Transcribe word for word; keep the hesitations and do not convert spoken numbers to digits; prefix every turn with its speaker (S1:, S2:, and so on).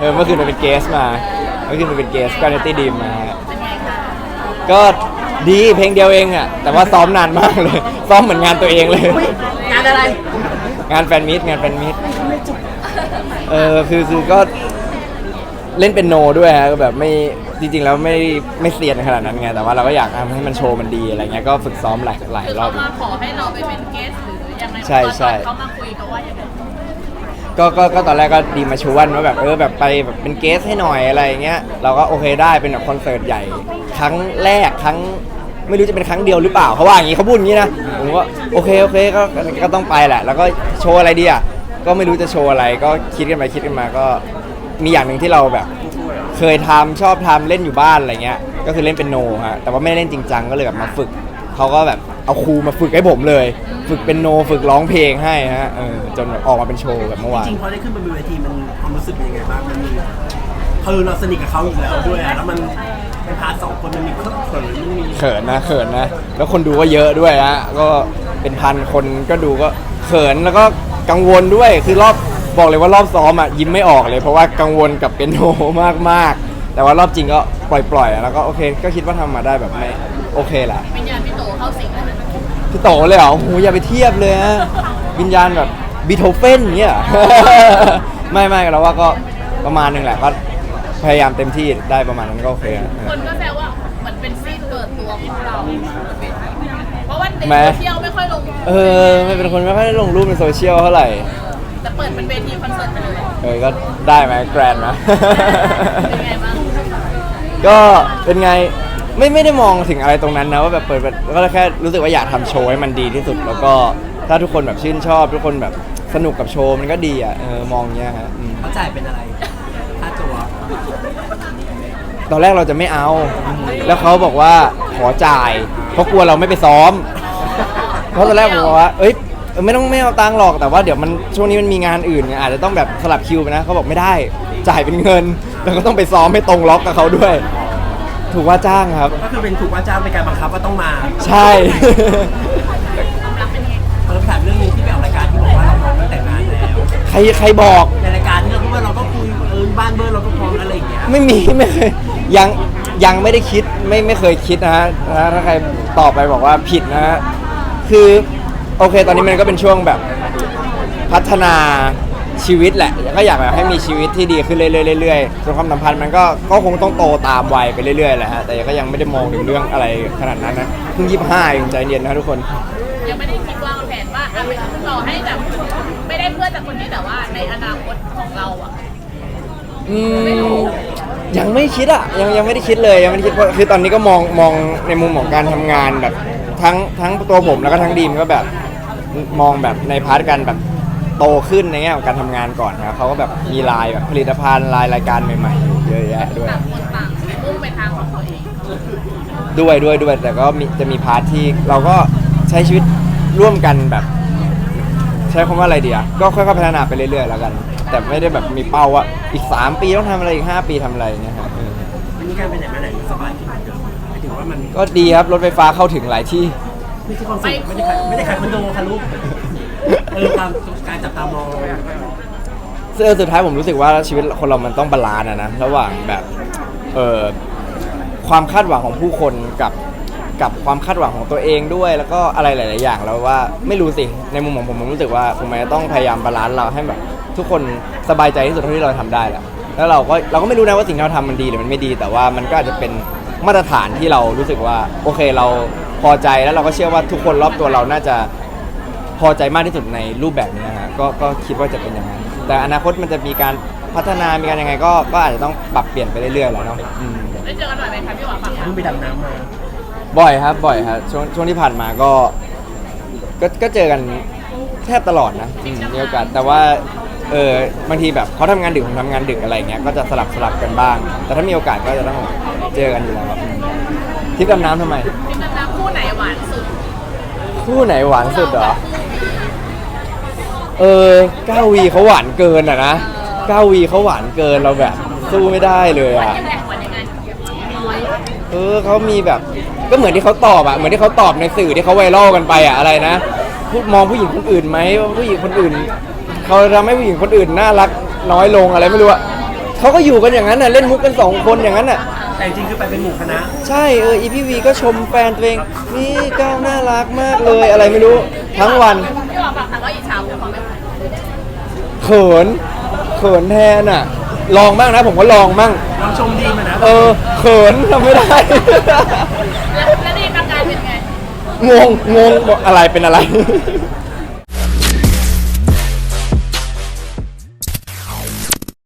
S1: เออเมื่อคืนมันเป็นเกสมาเมื่อคืนมันเป็นเกสก็เนตี้ดีมมา
S2: เป็นไงคะ
S1: ก็ดีเพลงเดียวเองอ่ะแต่ว่าซ้อมนานมากเลยซ้อมเหมือนงานตัวเองเลย
S2: งานอะไร
S1: งานแฟนมิตงานแฟนมิตเออคือคือก็เล่นเป็นโนด้วยฮะแบบไม่จริงๆแล้วไม่ไม่เซียนขนาดนั้นไงแต่ว่าเราก็อยากทำให้มันโชว์มันดีอะไรเงี้ยก็ฝึกซ้อมหลายหลายรอบ
S2: คือเขามาขอให้เราไปเป็นเกสหรือยังไง
S1: ใช่ใช่
S2: เขามาคุยเขาว่ายังไง
S1: ก็ก็ก็ตอนแรกก็ดีมาชวนว่าแบบเออแบบไปแบบเป็นเกสให้หน่อยอะไรเงี้ยเราก็โอเคได้เป็นแบบคอนเสิร์ตใหญ่ครั้งแรกครั้งไม่รู้จะเป็นครั้งเดียวหรือเปล่าเขาว่าอย่างนี้เขาพูดอย่างนี้นะผมก็โอเคโอเคก็ก็ต้องไปแหละแล้วก็โชว์อะไรดีอ่ะก็ไม่รู้จะโชว์อะไรก็คิดกันไปคิดกันมาก็มีอย่างหนึ่งที่เราแบบเคยทำชอบทำเล่นอยู่บ้านอะไรเงี้ยก็คือเล่นเป็นโนฮะแต่ว่าไม่ได้เล่นจริงจังก็เลยแบบมาฝึกเขาก็แบบเอาครูมาฝึกให้ผมเลยฝึกเป็นโนฝึกร้องเพลงให้ฮะเออจนแบบออกมาเป็นโชว์แบบเมื่อวาน
S3: จริงๆพอได้ขึ้นบนเวทีมันความรู้สึกเป็นยังไงบ้างมันมีคือเราสนิทกับเขาอยู่แล้วด้วยแล้วมันเป็นพาร์ทสองคนมันมีเครื่องเขินมันมี
S1: เขินนะเขินนะแล้วคนดูก็เยอะด้วยฮะก็เป็นพันคนก็ดูก็เขินแล้วก็กังวลด้วยคือรอบบอกเลยว่ารอบซ้อมอ่ะยิ้มไม่ออกเลยเพราะว่ากังวลกับเป็นโนมากมากแต่ว่ารอบจริงก็ปล่อยๆแล้วก็โอเคก็คิดว่าทำมาได้แบบไม่โอเคแหละ
S2: วิญญาณพี่โตเข้าสิงแล้ว
S1: พี่โตเลยเหรอโหอย่าไปเทียบเลยฮะวิญญาณแบบบีโธเฟนเงี้ยไม่ไม่เราว่าก็ประมาณนึงแหละก็พยายามเต็มที่ได้ประมาณนั้นก็โอเค
S2: คนก็แซวว่าเหมือนเป็นซีนเปิดตัวของเราเพราะว่าในโซเชียลไม่ค่อยลง
S1: เออไม่เป็นคนไม่ค่อยได้ลงรูปในโซเชียลเท่าไหร่
S2: แต่เปิดเป็นเวทีคอนเสิร์ตไปเลย
S1: เออก็ได้ไหมแกรนด์นะ
S2: เป็นไงบ้าง
S1: ก็เป็นไงไม่ไม่ได้มองถึงอะไรตรงนั้นนะว่าแบบเปิดก็แค่รู้สึกว่าอยากทำโชว์ให้มันดีที่สุดแล้วก็ถ้าทุกคนแบบชื่นชอบทุกคนแบบสนุกกับโชว์มันก็ดีอ่ะเออมองเงี้ยฮะ
S3: เขาจ่ายเป็นอะไรค่าตัว
S1: ตอนแรกเราจะไม่เอาแล้วเขาบอกว่าขอจ่ายเพราะกลัวเราไม่ไปซ้อมเพราะตอนแรกผมบอกว่าเอ้ยไม่ต้องไม่เอาตังค์หรอกแต่ว่าเดี๋ยวมันช่วงนี้มันมีงานอื่นไงอาจจะต้องแบบสลับคิวไปนะเขาบอกไม่ได้จ่ายเป็นเงินแล้วก็ต้องไปซ้อมให้ตรงล็อกกับเขาด้วยถูกว่าจ้างครับ
S3: ก็คือเป็นถูกว่าจ้างเป็นการบังคับว่าต้องมา
S1: ใช่
S3: เออถามเรื่องนึงที่ไปออกรายการที่บอกว่าเราพร้อมตั้งแต่งานแล้ว
S1: ใครใครบอก
S3: ในรายการที่เราพูดว่าเราก็คุยเออบ้านเบอร์เราก็พร้อมอะไรอย่างเงี้ย
S1: ไม่มีไม่เคยยังยังไม่ได้คิดไม่ไม่เคยคิดนะฮะถ้าใครตอบไปบอกว่าผิดนะฮะคือโอเคตอนนี้มันก็เป็นช่วงแบบพัฒนาชีวิตแหละก็อยากแบบให้มีชีวิตที่ดีขึ้นเรื่อยๆส่วนความสัมพันธ์มันก็ก็คงต้องโตตามวัยไปเรื่อยๆแหละฮะแต่ก็ยังไม่ได้มองถึงเรื่องอะไรขนาดนั้นนะเพิ่งยี่สิบห้าเองใจเย็นนะทุกคน
S2: ยังไม่ได้คิดวางแผนว่าต่อให้แบบไม่ได้เพื่อนจากคนนี้แต่ว่าในอนาคตของเราอ่ะ
S1: อืมยังไม่คิดอ่ะยังยังไม่ได้คิดเลยยังไม่ได้คิดเพราะคือตอนนี้ก็มองมองในมุมของการทำงานแบบทั้งทั้งตัวผมแล้วก็ทั้งดีมก็แบบมองแบบในพาร์ทกันแบบโตขึ้นในแง่ของการทำงานก่อนนะเขาก็แบบมีลายแบบผลิตภัณฑ์ลายรายการใหม่ๆเยอะแยะด้วย
S2: ต่างคนต่างมุ่งไปทางของตัวเอง
S1: ด้วยด้วยด้วยแต่ก็มีจะมีพาร์ทที่เราก็ใช้ชีวิตร่วมกันแบบใช้คำว่าอะไรดีอ่ะก็ค่อยๆพัฒนาไปเรื่อยๆแล้วกันแต่ไม่ได้แบบมีเป้าว่าอีกสามปีต้องทำอะไรอีกห้าปีทำอะไรเนี่ยครับ
S3: วันนี้การไปไหนมาไหนสบายขึ้นเยอะหมายถึงว่ามัน
S1: ก็ดีครับรถไฟฟ้าเข้าถึงหลายที่
S3: ไม่ใช่ความสุขไม่ได้ขายไม่ได้ขายคอนโดค่ะลูกเออตามการจับตามอง
S1: ซึ่งสุดท้ายผมรู้สึกว่าชีวิตคนเรามันต้องบาลานซ์นะระหว่างแบบเอ่อความคาดหวังของผู้คนกับกับความคาดหวังของตัวเองด้วยแล้วก็อะไรหลายๆอย่างแล้วว่าไม่รู้สิในมุมของผมผมรู้สึกว่าผมจะต้องพยายามบาลานซ์เราให้แบบทุกคนสบายใจที่สุดเท่าที่เราทำได้แหละแล้วเราก็เราก็ไม่รู้นะว่าสิ่งที่เราทำมันดีหรือมันไม่ดีแต่ว่ามันก็อาจจะเป็นมาตรฐานที่เรารู้สึกว่าโอเคเราพอใจแล้วเราก็เชื่อว่าทุกคนรอบตัวเราน่าจะพอใจมากที่สุดในรูปแบบนี้นะฮะก็ก็คิดว่าจะเป็นอย่างนั้นแต่อนาคตมันจะมีการพัฒนามีการยังไงก็ก็อาจจะต้องปรับเปลี่ยนไปเรื่อยๆแหละเนาะ
S2: ได้เจอกันหน่อยไหมครับพี่หวานฝั่ง
S3: เพิ่งไปดำน้ำมา
S1: บ่อยครับบ่อยครับช่วงช่วงที่ผ่านมาก็ก็ก็เจอกันแทบตลอดนะมีโอกาสแต่ว่าเออบางทีแบบเขาทำงานดึกผมทำงานดึกอะไรเงี้ยก็จะสลับสลับกันบ้างแต่ถ้ามีโอกาสก็จะต้องเจอกันอยู่แล้วครับทริปดำน้ำทำไม
S2: ทริปดำน้ำคู่ไหนหวานสุด
S1: คู่ไหนหวานสุดเหรอเออก้าวีเขาหวานเกินอ่ะนะก้าวีเขาหวานเกินเราแบบสู้ไม่ได้เลยอ่ะเออเขามีแบบก็เหมือนที่เขาตอบอ่ะเหมือนที่เขาตอบในสื่อที่เขาไวรัลกันไปอ่ะอะไรนะพูดมองผู้หญิงคนอื่นไหมว่าผู้หญิงคนอื่นเขาทำให้ผู้หญิงคนอื่นน่ารักน้อยลงอะไรไม่รู้อ่ะเขาก็อยู่กันอย่างนั้นน่ะเล่นมุกกันสองคนอย่างนั้นน่ะ
S3: แต่จริงๆคือไปเป็นหมู่คณะ
S1: ใช่เอออีพีวีก็ชมแฟนตัวเองนี่ก้าวน่ารักมากเลยอะไรไม่รู้ทั้งวัน
S2: พี่บอกฝั่งทางก็อิจฉาผมของแม่
S1: เขินเขินแทนอ่ะ ลองบ้างนะผมก็ลองบ้าง
S3: ลองชมดีมานะ
S1: เออเขินทำไม่ได้
S2: แล้วแล้วนี่ประกายเป็นไง
S1: งงงงบอกอะไรเป็นอะไร